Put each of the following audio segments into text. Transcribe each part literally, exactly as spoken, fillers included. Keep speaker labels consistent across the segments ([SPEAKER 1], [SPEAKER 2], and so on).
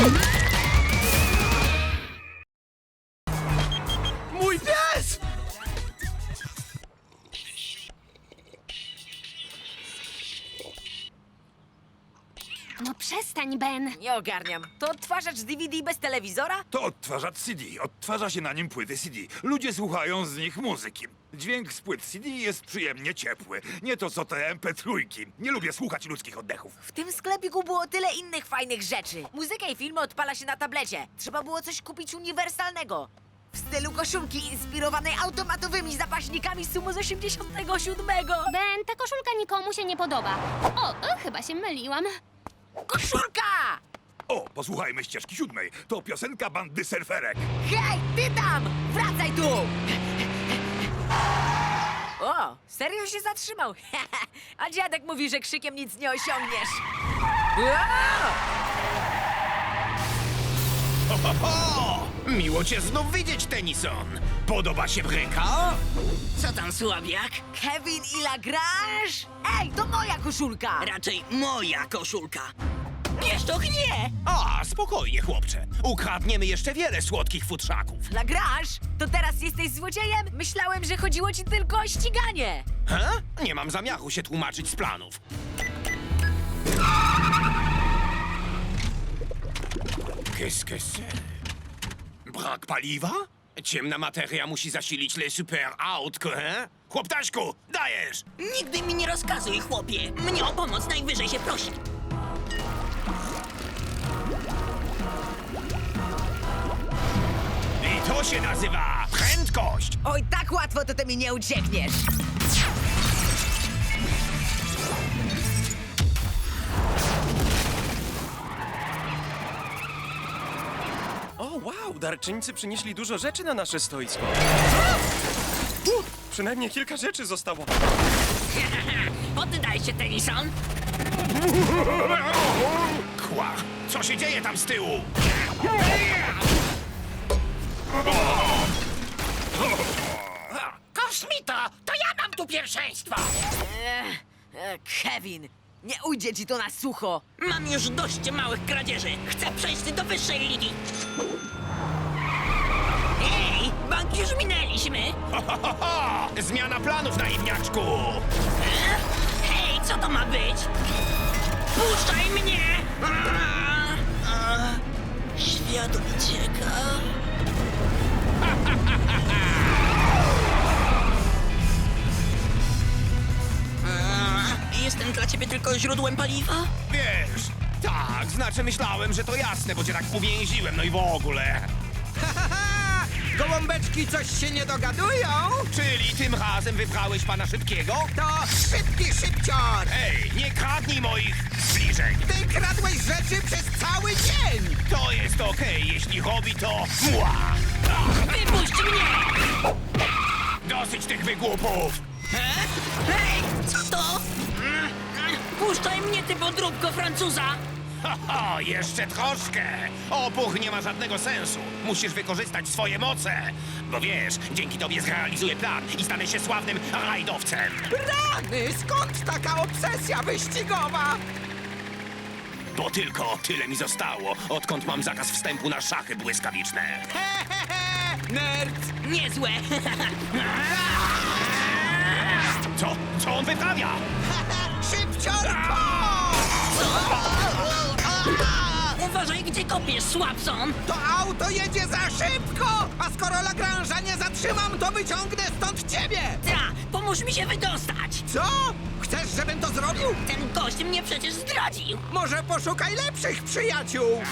[SPEAKER 1] Mój pies!
[SPEAKER 2] No przestań, Ben.
[SPEAKER 3] Nie ogarniam. To odtwarzacz D V D bez telewizora?
[SPEAKER 4] To odtwarzacz C D. Odtwarza się na nim płyty C D. Ludzie słuchają z nich muzyki. Dźwięk z płyt C D jest przyjemnie ciepły. Nie to co te M P trzy. Nie lubię słuchać ludzkich oddechów.
[SPEAKER 3] W tym sklepiku było tyle innych fajnych rzeczy. Muzykę i filmy odpala się na tablecie. Trzeba było coś kupić uniwersalnego. W stylu koszulki inspirowanej automatowymi zapaśnikami z sumu z osiemdziesiątego siódmego.
[SPEAKER 2] Ben, ta koszulka nikomu się nie podoba. O, e, chyba się myliłam.
[SPEAKER 3] Koszulka!
[SPEAKER 4] O, posłuchajmy ścieżki siódmej. To piosenka bandy surferek.
[SPEAKER 3] Hej, ty tam! Wracaj tu! O, serio się zatrzymał. A dziadek mówi, że krzykiem nic nie osiągniesz.
[SPEAKER 1] O! Miło cię znów widzieć, Tennyson. Podoba się bryka?
[SPEAKER 5] Co tam, słabiak?
[SPEAKER 3] Kevin i Lagrange? Ej, to moja koszulka!
[SPEAKER 5] Raczej moja koszulka. Wiesz, to nie!
[SPEAKER 1] A, spokojnie, chłopcze. Ukradniemy jeszcze wiele słodkich futrzaków.
[SPEAKER 3] Lagrange, to teraz jesteś złodziejem? Myślałem, że chodziło ci tylko o ściganie.
[SPEAKER 1] He? Nie mam zamiaru się tłumaczyć z planów. Qu'est-ce que c'est? Brak paliwa? Ciemna materia musi zasilić le super autko, he? Chłoptaśku, dajesz!
[SPEAKER 5] Nigdy mi nie rozkazuj, chłopie. Mnie o pomoc najwyżej się prosi.
[SPEAKER 1] I to się nazywa prędkość!
[SPEAKER 3] Oj, tak łatwo to ty mi nie uciekniesz.
[SPEAKER 6] O, wow, darczyńcy przynieśli dużo rzeczy na nasze stoisko. U, przynajmniej kilka rzeczy zostało.
[SPEAKER 5] Poddaj się, Tennyson.
[SPEAKER 1] Kła! Co się dzieje tam z tyłu?
[SPEAKER 5] Kosmito, to ja mam tu pierwszeństwo.
[SPEAKER 3] E, e, Kevin, nie ujdzie ci to na sucho.
[SPEAKER 5] Mam już dość małych kradzieży. Chcę przejść do wyższej ligi. Ej, bank już minęliśmy.
[SPEAKER 1] Ho, ho, ho, ho! Zmiana planów, naiwniaczku!
[SPEAKER 5] E? Hej, co to ma być? Puszczaj mnie! A, a, świat ucieka. A, jestem dla ciebie tylko źródłem paliwa?
[SPEAKER 1] Wiesz, tak, znaczy myślałem, że to jasne, bo cię tak uwięziłem, no i w ogóle.
[SPEAKER 7] Gołąbeczki coś się nie dogadują?
[SPEAKER 1] Czyli tym razem wybrałeś pana Szybkiego?
[SPEAKER 7] To szybki szybcior!
[SPEAKER 1] Ej, nie kradnij moich zbliżeń!
[SPEAKER 7] Ty kradłeś rzeczy przez cały dzień!
[SPEAKER 1] To jest okej, jeśli robi to mła!
[SPEAKER 5] Wypuść mnie!
[SPEAKER 1] Dosyć tych wygłupów!
[SPEAKER 5] E? Hej, co to? Mm, mm, Puszczaj mnie, ty podróbko Francuza!
[SPEAKER 1] Ha, ha, jeszcze troszkę! Opuch nie ma żadnego sensu. Musisz wykorzystać swoje moce. Bo wiesz, dzięki tobie zrealizuję plan i stanę się sławnym rajdowcem.
[SPEAKER 7] Rany, skąd taka obsesja wyścigowa?
[SPEAKER 1] Bo tylko tyle mi zostało, odkąd mam zakaz wstępu na szachy błyskawiczne.
[SPEAKER 7] Hehehe, nerd!
[SPEAKER 5] Niezłe!
[SPEAKER 1] Co? Co on wyprawia?
[SPEAKER 7] Szybciorko!
[SPEAKER 5] Uważaj, gdzie kopiesz, Słabson!
[SPEAKER 7] To auto jedzie za szybko! A skoro Lagrange'a nie zatrzymam, to wyciągnę stąd ciebie!
[SPEAKER 5] Ta, pomóż mi się wydostać!
[SPEAKER 7] Co? Chcesz, żebym to zrobił?
[SPEAKER 5] Ten gość mnie przecież zdradził!
[SPEAKER 7] Może poszukaj lepszych przyjaciół!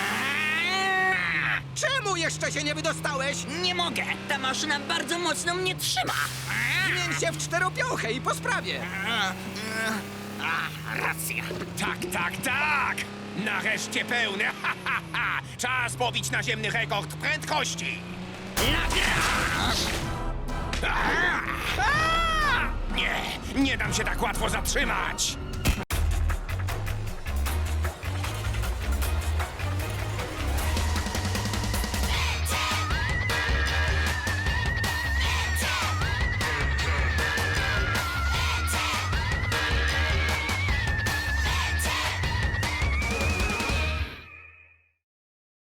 [SPEAKER 7] Czemu jeszcze się nie wydostałeś?
[SPEAKER 5] Nie mogę! Ta maszyna bardzo mocno mnie trzyma!
[SPEAKER 7] Zmień się w czteropiąchę i po sprawie!
[SPEAKER 5] A, racja!
[SPEAKER 1] Tak, tak, tak! Nareszcie pełne, ha, ha, ha! Czas pobić naziemny rekord prędkości!
[SPEAKER 5] Nagrasz!
[SPEAKER 1] Nie, nie dam się tak łatwo zatrzymać!